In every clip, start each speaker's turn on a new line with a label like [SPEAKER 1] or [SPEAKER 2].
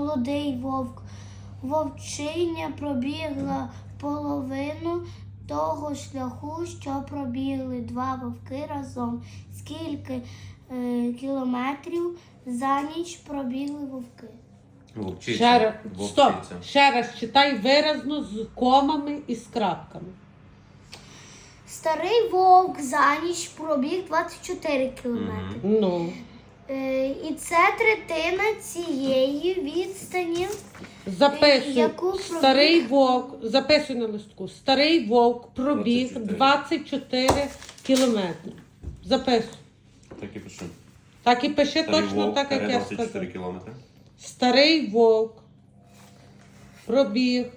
[SPEAKER 1] молодий вовк. Вовчиня пробігла половину того шляху, що пробігли два вовки разом. Скільки кілометрів за ніч пробігли вовки?
[SPEAKER 2] Вовчиця.
[SPEAKER 3] Ще раз, стоп,
[SPEAKER 2] Вовчиця.
[SPEAKER 3] ще раз читай виразно з комами і з крапками.
[SPEAKER 1] Старий вовк за ніч пробіг 24 кілометри.
[SPEAKER 3] Ну,
[SPEAKER 1] І це третина цієї відстані.
[SPEAKER 3] записуй.
[SPEAKER 1] Яку пробіг?
[SPEAKER 3] Старий вовк, записуй на листку. Старий вовк пробіг 24 кілометри. Записуй.
[SPEAKER 2] Так і пишу.
[SPEAKER 3] Так і пиши
[SPEAKER 2] Старий
[SPEAKER 3] точно
[SPEAKER 2] вовк,
[SPEAKER 3] так, як я
[SPEAKER 2] 24
[SPEAKER 3] сказав.
[SPEAKER 2] кілометри.
[SPEAKER 3] Старий вовк пробіг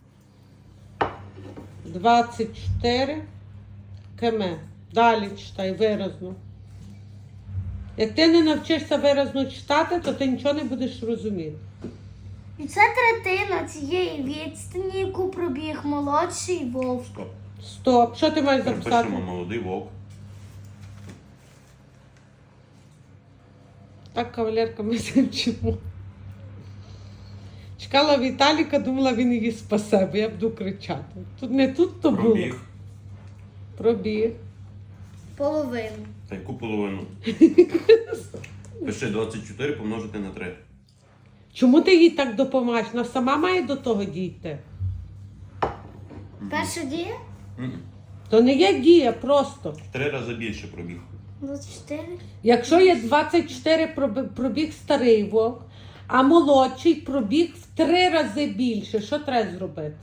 [SPEAKER 3] 24 км. Далі читай виразно. Як ти не навчишся виразно читати, то ти нічого не будеш розуміти.
[SPEAKER 1] І це третина цієї відстані, яку пробіг молодший вовк.
[SPEAKER 2] Стоп.
[SPEAKER 3] Стоп. Що ти маєш записати?
[SPEAKER 2] Пишемо молодий вовк.
[SPEAKER 3] Так, кавалерка, ми це вчимо. Чекала Віталіка, думала, він її спасе, бо я буду кричати. Тут не тут то було.
[SPEAKER 2] Пробіг.
[SPEAKER 3] Пробіг.
[SPEAKER 1] Половину.
[SPEAKER 2] Та яку половину? Пиши 24 помножити на 3.
[SPEAKER 3] Чому ти їй так допомагаєш? Вона сама має до того дійти.
[SPEAKER 1] Перша дія?
[SPEAKER 3] То не є дія, просто.
[SPEAKER 2] 3 рази більше пробіг.
[SPEAKER 1] 24.
[SPEAKER 3] Якщо є 24 пробіг старий вовк, а молодший пробіг в 3 рази більше, що треба зробити?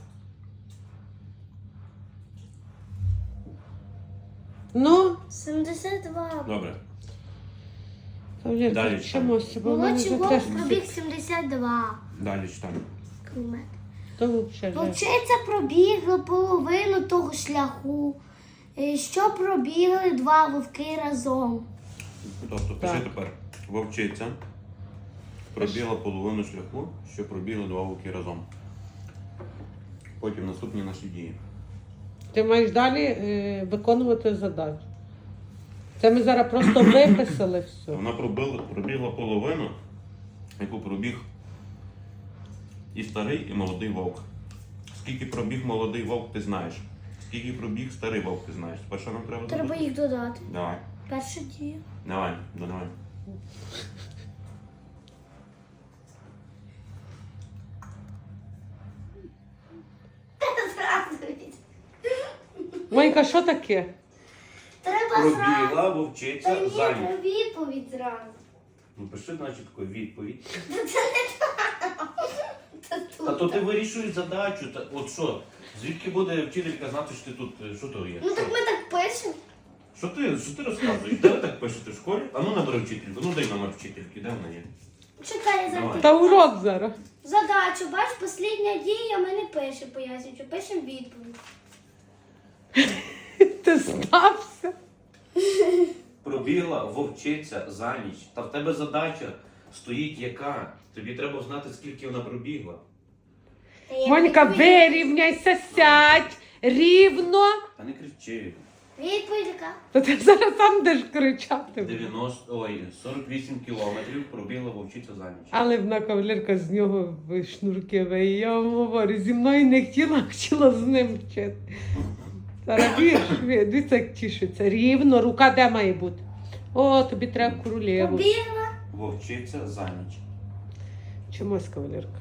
[SPEAKER 3] Ну,
[SPEAKER 1] 72.
[SPEAKER 2] Добре.
[SPEAKER 3] Кавалерка,
[SPEAKER 2] Далі
[SPEAKER 3] вчимося, бо в мене
[SPEAKER 1] Молодший
[SPEAKER 3] вже
[SPEAKER 1] вовк
[SPEAKER 3] теж
[SPEAKER 1] пробіг 72
[SPEAKER 2] Далі читаємо.
[SPEAKER 1] кілометри.
[SPEAKER 3] то взагалі.
[SPEAKER 1] Вовчиця пробігла половину того шляху, що пробігли два вовки разом.
[SPEAKER 2] Тобто пиши
[SPEAKER 3] Так.
[SPEAKER 2] тепер. Вовчиця пробігла половину шляху, що пробігли два вовки разом. Потім наступні наші дії.
[SPEAKER 3] Ти маєш далі виконувати задачу. Це ми зараз просто виписали все.
[SPEAKER 2] Вона пробігла половину, яку пробіг і старий, і молодий вовк. Скільки пробіг молодий вовк, ти знаєш. Скільки пробіг старий вовк, ти знаєш. Тепер що нам треба зробити?
[SPEAKER 1] Треба їх додати.
[SPEAKER 2] Давай.
[SPEAKER 1] Перша дія.
[SPEAKER 2] Давай, додавай.
[SPEAKER 3] Монька, що таке?
[SPEAKER 1] Треба зразу.
[SPEAKER 2] Пробігла вовчиця
[SPEAKER 1] Та ні,
[SPEAKER 2] за ніч.
[SPEAKER 1] треба відповідь зразу.
[SPEAKER 2] Ну пиши, значить, таку відповідь.
[SPEAKER 1] Та
[SPEAKER 2] Та
[SPEAKER 1] тут.
[SPEAKER 2] то ти вирішуєш задачу. Та, от що? Звідки буде вчителька знати, що ти тут, що то є?
[SPEAKER 1] Ну так ми так пишемо.
[SPEAKER 2] Що ти розказуєш? Де ви так пишете в школі? А ну набери вчительку, ну дай номер вчительки, де вона є?
[SPEAKER 1] Чекай, я
[SPEAKER 2] Давай.
[SPEAKER 1] запишу.
[SPEAKER 3] Та урок зараз.
[SPEAKER 1] Задачу, бач, послідня дія, ми не пишемо, пояснюючи, пишемо відповідь.
[SPEAKER 3] Ти стався.
[SPEAKER 2] Пробігла вовчиця за ніч. Та в тебе задача стоїть яка? Тобі треба знати, скільки вона пробігла.
[SPEAKER 1] Та я
[SPEAKER 3] Монька,
[SPEAKER 1] відповідь-
[SPEAKER 3] вирівняйся, сядь рівно.
[SPEAKER 2] Та не кричи.
[SPEAKER 1] Відповідь яка?
[SPEAKER 3] Та ти зараз сам будеш кричати.
[SPEAKER 2] 48 кілометрів пробігла вовчиця за ніч.
[SPEAKER 3] Але вона кавалерка з нього шнурки виє. Я вам говорю, зі мною не хотіла, хотіла з ним вчити. Зараз вірш, дивіться, як тішиться. Рівно, рука де має бути? О, тобі треба королеву.
[SPEAKER 1] Побігла.
[SPEAKER 2] Вовчиця за ніч.
[SPEAKER 3] Чомусь, кавалерка.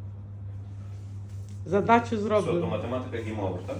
[SPEAKER 3] Задачу
[SPEAKER 2] Все, то
[SPEAKER 3] зроблено.
[SPEAKER 2] математика гімова, так?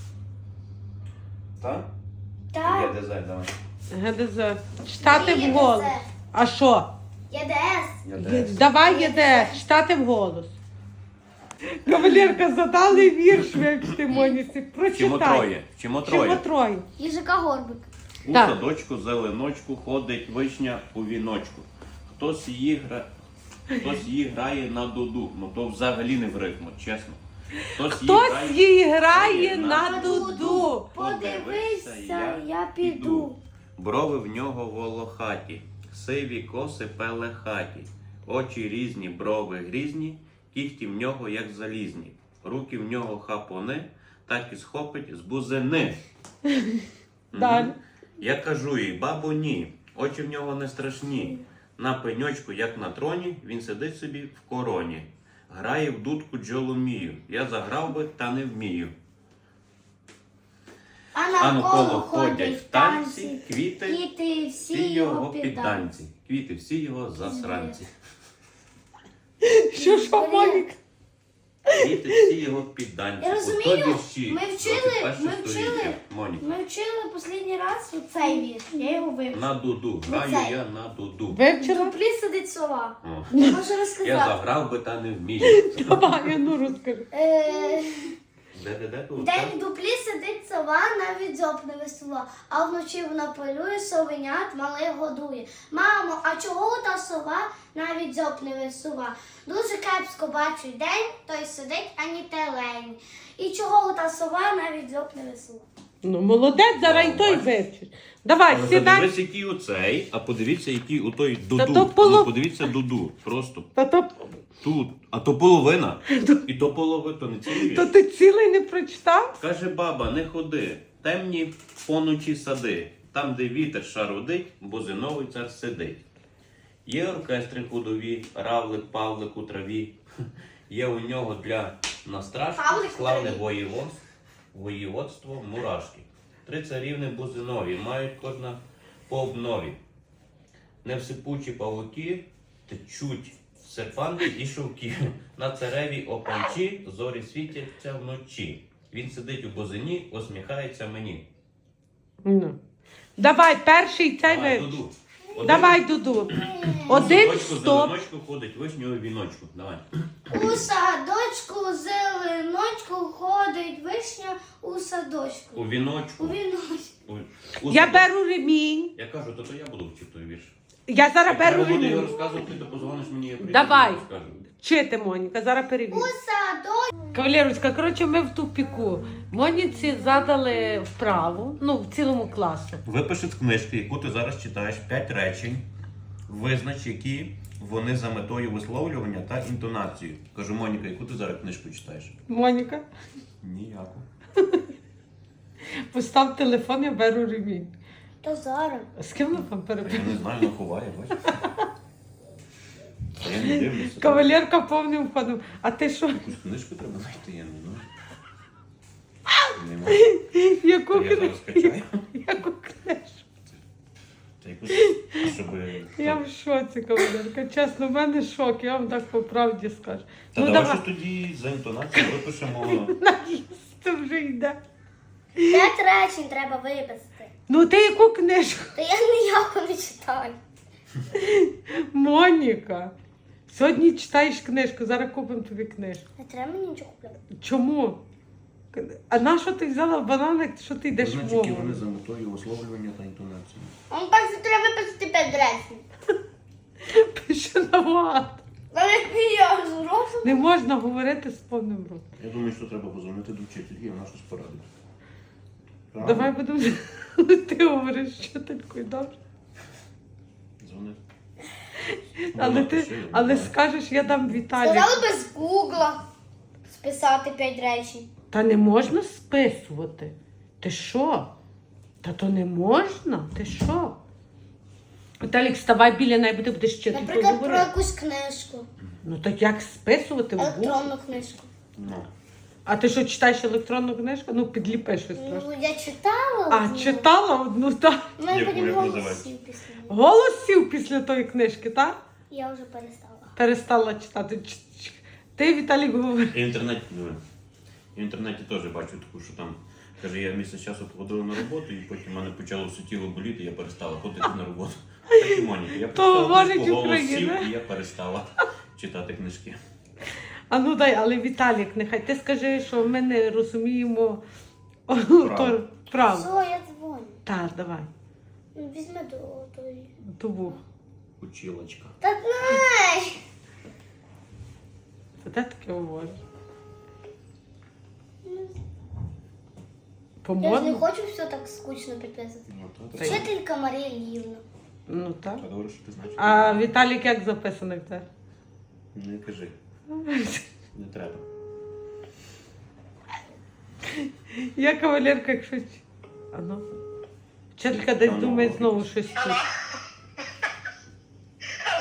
[SPEAKER 2] Так?
[SPEAKER 1] Так.
[SPEAKER 2] ЄДЗ, давай.
[SPEAKER 3] ГДЗ. Читати
[SPEAKER 1] Ні,
[SPEAKER 3] вголос.
[SPEAKER 1] ЄДЗ.
[SPEAKER 3] А що?
[SPEAKER 1] ЄДС.
[SPEAKER 2] ЄДС.
[SPEAKER 3] Давай єде, читати вголос. Кавалерка, задали вірш, вивчити Моніці. Прочитай.
[SPEAKER 2] Вчимо троє.
[SPEAKER 3] Чому троє?
[SPEAKER 1] Їжака Горбик.
[SPEAKER 2] У
[SPEAKER 3] Так.
[SPEAKER 2] садочку зеленочку ходить вишня у віночку. Хтось її грає на дуду. Ну то взагалі не в ритму, чесно.
[SPEAKER 3] Хтось їй грає на дуду.
[SPEAKER 1] Подивися, я піду.
[SPEAKER 2] Брови в нього волохаті, сиві коси пелехаті. Очі різні, брови грізні, кіхті в нього як залізні. Руки в нього хапони, так і схопить з бузини.
[SPEAKER 3] Далі.
[SPEAKER 2] Я кажу їй, бабо, ні, очі в нього не страшні. На пеньочку, як на троні, він сидить собі в короні. Грає в дудку джоломію. Я заграв би, та не вмію. А навколо ходять в танці, квіти всі його підданці. Квіти всі його засранці.
[SPEAKER 3] Що, Моніка?
[SPEAKER 2] Квіти всі його підданці.
[SPEAKER 1] Я розумію,
[SPEAKER 2] Ото вірші.
[SPEAKER 1] ми вчили,
[SPEAKER 2] 21 сторіччя. Моніка.
[SPEAKER 1] Ми вчили останній раз оцей вірш, я його вивчила.
[SPEAKER 2] На дуду. Граю
[SPEAKER 1] Оцей.
[SPEAKER 2] я на дуду.
[SPEAKER 1] В
[SPEAKER 3] Вивчила?
[SPEAKER 1] дуплі сидить сова.
[SPEAKER 2] О.
[SPEAKER 1] Я можу
[SPEAKER 2] Я
[SPEAKER 1] розказати.
[SPEAKER 2] заграв би, та не вмію.
[SPEAKER 3] Давай, я ну розкажи.
[SPEAKER 2] Де тут?
[SPEAKER 1] День в дуплі сидить сова, навіть дзьоб не висува, а вночі вона полює, совенят малих годує. Мамо, а чого та сова навіть дзьоб не висува? Дуже кепсько бачу день, той сидить, ані телень. І чого та сова навіть дзьоб не висува?
[SPEAKER 3] Ну, молодець, зараз і той вивчиш. Давай,
[SPEAKER 2] Але
[SPEAKER 3] сідай.
[SPEAKER 2] подивись, який оцей, а подивіться, який у той
[SPEAKER 3] Та
[SPEAKER 2] дуду.
[SPEAKER 3] то поло-
[SPEAKER 2] Ну, подивіться дуду. Просто
[SPEAKER 3] Та то,
[SPEAKER 2] тут. А то половина. І то половина, то не цілий
[SPEAKER 3] то
[SPEAKER 2] вірш.
[SPEAKER 3] ти цілий не прочитав?
[SPEAKER 2] Каже баба, не ходи, темні поночі сади, там, де вітер шарудить, бо зиновий цар сидить. Є оркестри худові, равлик, павлик у траві. Є у нього для настрашки
[SPEAKER 1] Павлик у
[SPEAKER 2] славне
[SPEAKER 1] траві.
[SPEAKER 2] воєводство мурашки. 3 царівни бузинові, мають кожна по обнові. Невсипучі павуки течуть серпанки і шовки. На царевій опанчі зорі світяться вночі. Він сидить у бузині, усміхається мені.
[SPEAKER 3] Ну. Давай, перший цей
[SPEAKER 2] Давай,
[SPEAKER 3] вивчиш.
[SPEAKER 2] Дуду. Один.
[SPEAKER 3] Давай, Дуду. Один
[SPEAKER 2] Садочку,
[SPEAKER 3] стоп.
[SPEAKER 2] зеленочку ходить, вишнього віночку. Давай.
[SPEAKER 1] У садочку зеленочку ходить вишня у садочку.
[SPEAKER 2] У віночку.
[SPEAKER 1] У віночку.
[SPEAKER 2] У
[SPEAKER 3] Я
[SPEAKER 2] садочку.
[SPEAKER 3] беру ремінь.
[SPEAKER 2] Я кажу, то я буду вчити той вірш.
[SPEAKER 3] Я зараз
[SPEAKER 2] Як я
[SPEAKER 3] беру
[SPEAKER 2] буду його
[SPEAKER 3] ремінь.
[SPEAKER 2] розказувати, то позвониш мені, я прийду,
[SPEAKER 3] Давай.
[SPEAKER 2] розкажу.
[SPEAKER 3] Вчити, Моніка, зараз
[SPEAKER 1] У
[SPEAKER 3] перевірю.
[SPEAKER 1] садочку.
[SPEAKER 3] Кавалерочка, коротше, ми в тупіку. Моніці задали вправу, ну, в цілому класу.
[SPEAKER 2] Випиши з книжки, яку ти зараз читаєш, 5 речень, визнач, які вони за метою висловлювання та інтонацією. Кажу, Моніка, яку ти зараз книжку читаєш?
[SPEAKER 3] Моніка,
[SPEAKER 2] Ніяку.
[SPEAKER 3] постав телефон, я беру ремінь.
[SPEAKER 1] То зараз.
[SPEAKER 3] З ким ми там
[SPEAKER 2] Я
[SPEAKER 3] перебуваємо?
[SPEAKER 2] не знаю, вона ховає, бачиш? Я не дивлюся.
[SPEAKER 3] Кавалерка повним ходом. А ти що?
[SPEAKER 2] Якусь книжку треба знайти, я не знаю. Нема.
[SPEAKER 3] Яку
[SPEAKER 2] То я зараз скачаю.
[SPEAKER 3] Яку книжку?
[SPEAKER 2] Та якусь, щоб...
[SPEAKER 3] Я в шоці, кавалерка. Чесно, в мене шок, я вам так по правді скажу.
[SPEAKER 2] Та
[SPEAKER 3] Ну
[SPEAKER 2] давай
[SPEAKER 3] давай,
[SPEAKER 2] щось тоді за інтонацією випишемо.
[SPEAKER 3] наїсти вже йде.
[SPEAKER 1] 5 речень треба виписати.
[SPEAKER 3] Ну ти яку книжку?
[SPEAKER 1] Та я ніяко не читаю.
[SPEAKER 3] Моніка, сьогодні читаєш книжку, зараз купимо тобі книжку.
[SPEAKER 1] Не треба мені нічого купляти.
[SPEAKER 3] Чому? А на що ти взяла банан, що ти йдеш
[SPEAKER 2] Значить,
[SPEAKER 3] в
[SPEAKER 2] які
[SPEAKER 3] мову?
[SPEAKER 2] вони за метою висловлювання та інтонації.
[SPEAKER 1] Он перше треба виписати 5 речень.
[SPEAKER 3] Пише набагато.
[SPEAKER 1] Але я зроблю.
[SPEAKER 3] Не можна говорити з повним ротом.
[SPEAKER 2] Я думаю, що треба позвонити до вчительки, і вона щось порадить. Правда?
[SPEAKER 3] Давай будемо. Ти говориш вчителькою, добре?
[SPEAKER 2] Дзвони.
[SPEAKER 3] Але скажеш, я дам Віталію.
[SPEAKER 1] Сказали без гугла списати 5 речень.
[SPEAKER 3] Та не можна списувати. Ти що? Та то не можна? Ти що? Віталік, вставай біля неї, бо ти будеш вчителькою
[SPEAKER 1] Наприклад, про
[SPEAKER 3] говорити.
[SPEAKER 1] якусь книжку.
[SPEAKER 3] Ну так як списувати в Google?
[SPEAKER 1] Електронну книжку.
[SPEAKER 2] Ну.
[SPEAKER 3] А ти що, читаєш електронну книжку? Ну, підліпи щось трошки.
[SPEAKER 1] Ну, я читала.
[SPEAKER 3] А,
[SPEAKER 1] одну.
[SPEAKER 3] читала одну, так?
[SPEAKER 1] У мене
[SPEAKER 2] Яку,
[SPEAKER 1] потім
[SPEAKER 2] як
[SPEAKER 1] голос
[SPEAKER 2] називається?
[SPEAKER 1] сів після неї.
[SPEAKER 3] Голос сів після тої книжки, так?
[SPEAKER 1] Я вже перестала.
[SPEAKER 3] Перестала читати. Ти, Віталік, говориш.
[SPEAKER 2] І в інтернеті, в інтернеті теж бачу таку, що там, каже, я місяць часу походила на роботу, і потім мене почало все тіло боліти, і я перестала ходити на роботу. Так і Моніка, я
[SPEAKER 3] говорить
[SPEAKER 2] прочитала книжку, голос
[SPEAKER 3] Україна.
[SPEAKER 2] сів, і я перестала читати книжки.
[SPEAKER 3] А ну дай, але Віталік, нехай ти скажи, що ми не розуміємо право.
[SPEAKER 1] Все, я дзвоню.
[SPEAKER 3] Так, давай.
[SPEAKER 1] Ну, візьми до тої.
[SPEAKER 3] Тубу.
[SPEAKER 2] Училочка.
[SPEAKER 1] Та знай!
[SPEAKER 3] Це де таке говориш?
[SPEAKER 1] Я ж не
[SPEAKER 3] По-моєму?
[SPEAKER 1] хочу все так скучно підписувати.
[SPEAKER 2] Ну,
[SPEAKER 3] Та
[SPEAKER 2] то,
[SPEAKER 3] й-
[SPEAKER 1] Вчителька Марія Львівна.
[SPEAKER 3] Ну так.
[SPEAKER 2] та добре, що ти знаєш.
[SPEAKER 3] А Віталік як записаний в тебе?
[SPEAKER 2] Не кажи, не треба.
[SPEAKER 3] Я кавалерка, якщо... А ну. Вчителька десь
[SPEAKER 2] Та ну,
[SPEAKER 3] думає
[SPEAKER 2] робить.
[SPEAKER 3] знову щось тут.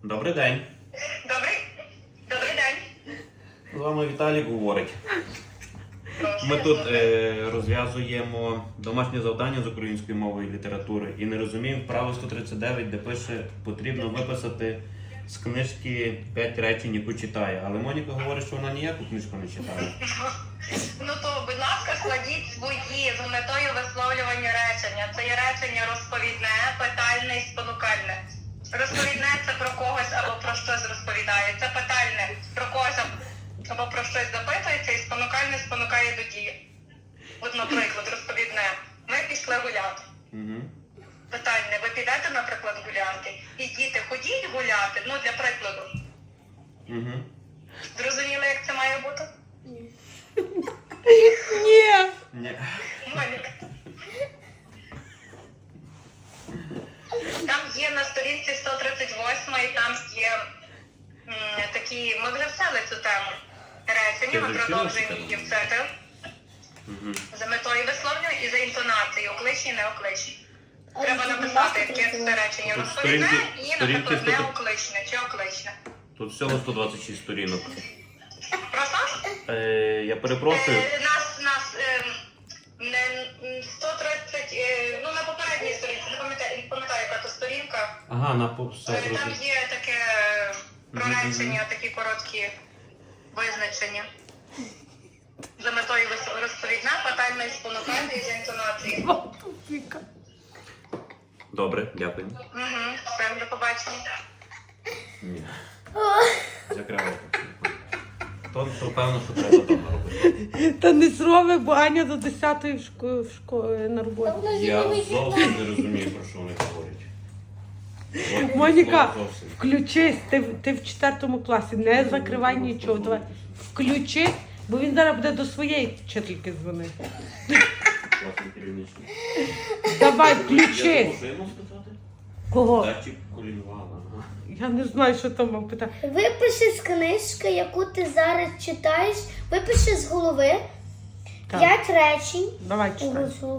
[SPEAKER 2] Добрий день.
[SPEAKER 4] Добрий день.
[SPEAKER 2] З вами Віталік говорить. Ми тут розв'язуємо домашнє завдання з української мови і літератури і не розуміємо вправо 139, де пише, потрібно виписати з книжки 5 речень, яку читає. Але Моніка говорить, що вона ніяку книжку не читає.
[SPEAKER 4] Ну то, будь ласка, складіть свої з метою висловлювання речення. Це є речення розповідне, питальне і спонукальне. Розповідне це про когось або про щось розповідає. Це питальне про когось або про щось запитується, і спонукальне спонукає до дії. От, наприклад, розповідне. Ми пішли гуляти.
[SPEAKER 2] Угу.
[SPEAKER 4] Питальне, ви підете, наприклад, гуляти? І діти, ходіть гуляти, ну для прикладу.
[SPEAKER 2] Угу.
[SPEAKER 4] Зрозуміли, як це має бути?
[SPEAKER 3] Ні.
[SPEAKER 2] Ні.
[SPEAKER 4] Моніка. Там є на сторінці 138, і там є такі, ми вже вчили цю тему. Речення, ми
[SPEAKER 2] Ти вже
[SPEAKER 4] продовжуємо
[SPEAKER 2] вчила цю
[SPEAKER 4] її
[SPEAKER 2] тему?
[SPEAKER 4] вчити.
[SPEAKER 2] Угу.
[SPEAKER 4] За метою висловлювання і за інтонацією, окличні, неокличні. Треба написати, яке це речення
[SPEAKER 2] Тут
[SPEAKER 4] розповідне і,
[SPEAKER 2] сторінки
[SPEAKER 4] наприклад,
[SPEAKER 2] 100.
[SPEAKER 4] неокличне чи окличне.
[SPEAKER 2] Тут всього 126 сторінок.
[SPEAKER 4] Просто?
[SPEAKER 2] Я перепрошую.
[SPEAKER 4] Нас 130, ну на попередній сторінці, не пам'ятаю, яка то сторінка.
[SPEAKER 2] Ага, все
[SPEAKER 4] Там
[SPEAKER 2] зрозуміло.
[SPEAKER 4] є таке про речення, такі короткі визначення. За метою розповідна, питальна і спонукальна і за інтонацією.
[SPEAKER 2] Добре, дякую.
[SPEAKER 4] Все, до побачення.
[SPEAKER 2] Ні. Закривай. То певно, що треба вдома робити.
[SPEAKER 3] Та не зроби, бо Аня до 10-ї в школі на роботі.
[SPEAKER 2] Я зовсім не розумію, про що вони говорять. От
[SPEAKER 3] Моніка,
[SPEAKER 2] слово зовсім.
[SPEAKER 3] включись, ти в 4 класі, не закривай нічого. Давай. Включи, бо він зараз буде до своєї вчительки дзвонити.
[SPEAKER 2] Класний керівничок.
[SPEAKER 3] Давай,
[SPEAKER 2] Я
[SPEAKER 3] включи.
[SPEAKER 2] забув, що я можу сказати?
[SPEAKER 3] Кого?
[SPEAKER 2] Датчик колінвала. Ага.
[SPEAKER 3] Я не знаю, що там мав питати.
[SPEAKER 1] Випиши з книжки, яку ти зараз читаєш, випиши з голови
[SPEAKER 3] Так.
[SPEAKER 1] 5 речень.
[SPEAKER 3] Давай читай.